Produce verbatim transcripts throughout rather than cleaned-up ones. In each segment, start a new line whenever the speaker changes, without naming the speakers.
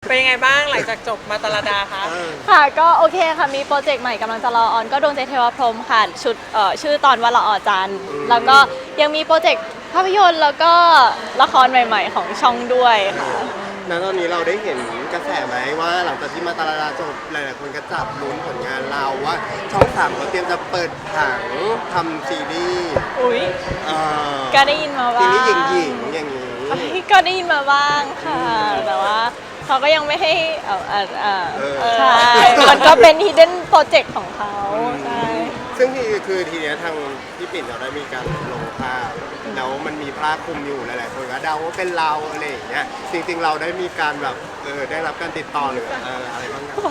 เป็นยังไงบ้างหลังจากจบมาตาลาดาคะ
ค่ะก็โอเคค่ะมีโปรเจกต์ใหม่กำลังจะรอออนก็ดวงใจเทวพรหมค่ะชุดเอ่อชื่อตอนว่าละออจันทร์แล้วก็ยังมีโปรเจกต์ภาพยนตร์แล้วก็ละครใหม่ๆของช่องด้วยค่ะ
ณตอนนี้เราได้เห็นกระแสไหมว่าหลังจากที่มาตาลาดาจบหลายๆคนก็จับลุ้นผลงานเราว่าช่องสามเขาเตรียมจะเปิดผังทำซีรีส์
อุ้ย
เอ่อ
ก็ได้ยินมา
ซี
บ้าง
รีส์หญิงๆอย่างนี้
ก็ได้ยินมาบ้างค่ะแต่ว่าเขาก็ยังไม่ให้เออเออเออ
เออ
ใช่มันก็เป็น hidden project ของเขาใช่
ซึ่งที่คือทีเนี้ยทางพี่ปิ่นเราได้มีการลงภาพแล้วมันมีผ้าคลุมอยู่หลายๆคนก็เดาว่าเป็นเราอะไรอย่างเงี้ยจริงๆเราได้มีการแบบเออได้รับการติดต่อหรือเอออะไรบ้างครับ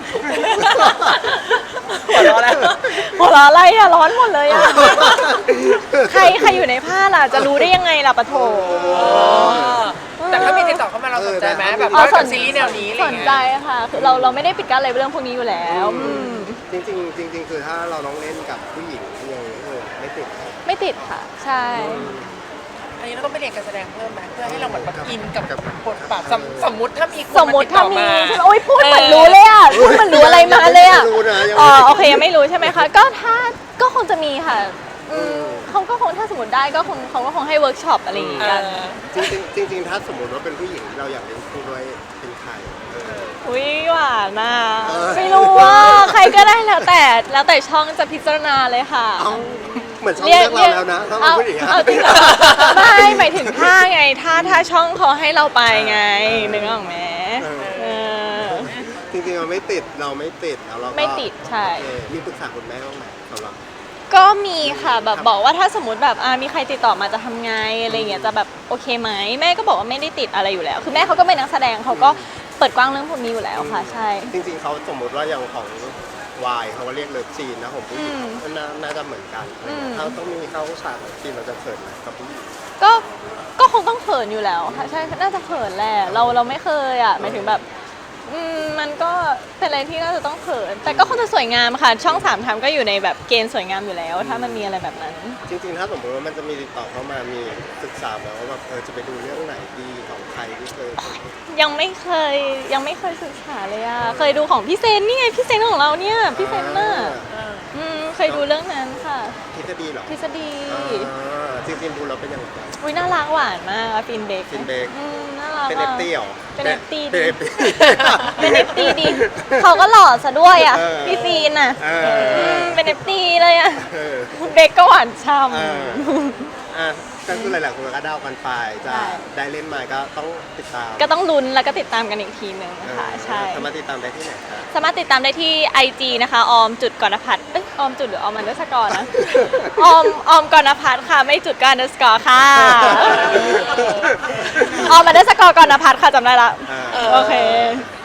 หัวเราะแล้วหัวเราะอะไรอะร้อนหมดเลยอะใครใครอยู่ในผ้าล่ะจะรู้ได้ยังไงล่ะปะโถ
แต่ถ้ามีติดต่อเข้ามาเราสนใจไหมแบบ
อ๋อ
ว่า
ส
กับ
น
ซีรีส์แนวนี้อะไร
ส
เงี้ย
นใจค่ะคือเราเราไม่ได้ปิดกั้นอะไรเรื่องพวกนี้อยู่แล้ว
จริงๆจริงๆคือถ้าเราต้องเล่นกับผู้หญิงยังไม่ติด
ไม่ติดค่ะใช่
อันนี้เราต้องไปเรียนการแสดงเพิ่มไหมเพื่อให้เราเหมือนแบบอินกับบทบาทสมสมมติถ้ามีคน
สมม
มา
ติ
ติดต่
ถ้า
อ
มี
มา
ใช่ไหมโอ้ยพูดเหมือนรู้เลยอ่ะพูดเหมือนรู้อะไรมาเลยอ่ะ
รู้นะยัง
อ๋อ
ไม่
โอเคยังไม่รู้ใช่ไหมคะก็ถ้าก็คงจะมีค่ะอืมเขาก็คงถ้าสมมติได้ก็คงเขาก็คงให้เวิร์กช็อปอะไรอย่างเงี้ยกัน
จริงๆจริงๆถ้าสมมติว่าเป็นผู้หญิงเราอยากเล่นคู่ด้วยเป็นใครเออ
อุ้ยหวานน่ะ
เออ
ไม่รู้ว่าใครก็ได้แล้วแต่แล้วแต่ช่องจะพิจารณาเลยค่ะ
เอาเหมือนช่องเลือกเราแล้วนะถ้าเป็นผู้หญิงอะ
เอาจริงเหรอไม่หมายถึงถ้าไงถ้าถ้าช่องเขาให้เราไปไงนึกออกไหมเออ
จริงๆเราไม่ติดเราไม่ติดแล้วเราก็
ไม่ติดใช่
โอเคมีปรึกษาคุณแม่บ้างไหมสำหรับ
ก็มีค่ะแบบบอกว่าถ้าสมมติแบบอ่ามีใครติดต่อมาจะทำไงอะไรเงี้ยจะแบบโอเคไหมแม่ก็บอกว่าไม่ได้ติดอะไรอยู่แล้ว คือแม่เขาก็เป็นนักแสดงเขาก็เปิดกว้างเรื่องพวกนี้อยู่แล้วค่ะใช่
จริงๆเขาสมมติว่าอย่างของวายเขาก็เรียกเลิฟซีนนะผมผู้หญิงก็น่าน่าจะเหมือนกันถ้าต้องมีเข้าฉากเลิฟซีนเราจะเขินไหมกับผู้หญิง
ก็ก็คงต้องเขินอยู่แล้วค่ะใช่น่าจะเขินแหละเราเราไม่เคยอ่ะหมายถึงแบบอืมมันก็เป็นอะไรที่น่าจะต้องเขินแต่ก็คงจะสวยงามค่ะช่องสามทำก็อยู่ในแบบเกณฑ์สวยงามอยู่แล้ว ถ้ามันมีอะไรแบบนั้น
จริงๆถ้าสมมติว่ามันจะมีติดต่อเข้ามามีศึกษาแบบว่าแบบเออจะไปดูเรื่องไหนดีของใครที่เคย
ยังไม่เคยยังไม่เคยศึกษาเลยอ่ะเคยดูของพี่เซนนี่ไงพี่เซนของเราเนี่ยพี่เซนน่ะอืมเคยดูเรื่องนั้นค่ะ
ทฤษฎีเหรอ
ทฤษฎี
จริงๆดูเราเป็นยังไง
อุ้ยน่ารักหวานมากฟินเบก
ฟินเบก
น่ารัก
เป็นเอฟตี้เหรอ
เป็นเอฟตี้
เป็นเอฟตี้
เป็นเอฟตีดีเขาก็หล่อซะด้วยอ่ะพี่ฟีนอ่ะเป็นเอฟตีเลยอ่ะเบกก็หวานช่ำ
อ่ะก็คือหลายๆคนก็เดากันไปจะได้เล่นมาก็ต้องติดตาม
ก็ต้องลุ้นแล้วก็ติดตามกันอีกทีหนึ่งค่ะใช่
สามารถติดตามได้ที่ไหนครับ
สามารถติดตามได้ที่ ไอ จี นะคะออมจุดกรณพัฒน์เอ้ยออมจุดหรือออมอันเดอร์สกอร์นะออมออมกรณพัฒน์ค่ะไม่จุดก็อันเดอร์สกอร์ค่ะออมอันเดอร์สกอร์กรณพัฒน์ค่ะจำได้ละโอเค